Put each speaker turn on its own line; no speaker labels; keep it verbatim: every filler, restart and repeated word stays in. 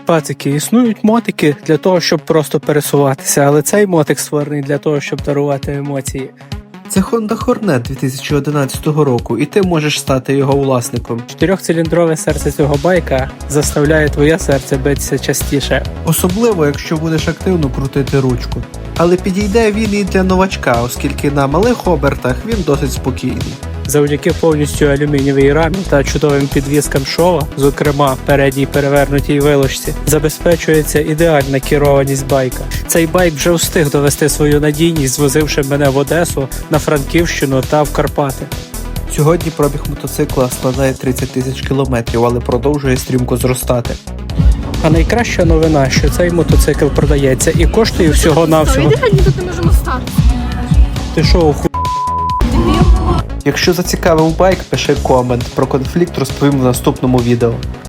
Пацики, існують мотики для того, щоб просто пересуватися, але цей мотик створений для того, щоб дарувати емоції.
Це Honda Hornet дві тисячі одинадцятого року, і ти можеш стати його власником.
Чотирьохциліндрове серце цього байка заставляє твоє серце битися частіше.
Особливо, якщо будеш активно крутити ручку. Але підійде він і для новачка, оскільки на малих обертах він досить спокійний.
Завдяки повністю алюмінієвій рамі та чудовим підвіскам шова, зокрема передній перевернутій вилочці, забезпечується ідеальна керованість байка. Цей байк вже встиг довести свою надійність, звозивши мене в Одесу, на Франківщину та в Карпати.
Сьогодні пробіг мотоцикла складає тридцять тисяч кілометрів, але продовжує стрімко зростати.
А найкраща новина, що цей мотоцикл продається і коштує всього-навсього...
Ми тут не можемо стати.
Ти що, ху...
Якщо зацікавив байк, пиши комент. Про конфлікт розповім в наступному відео.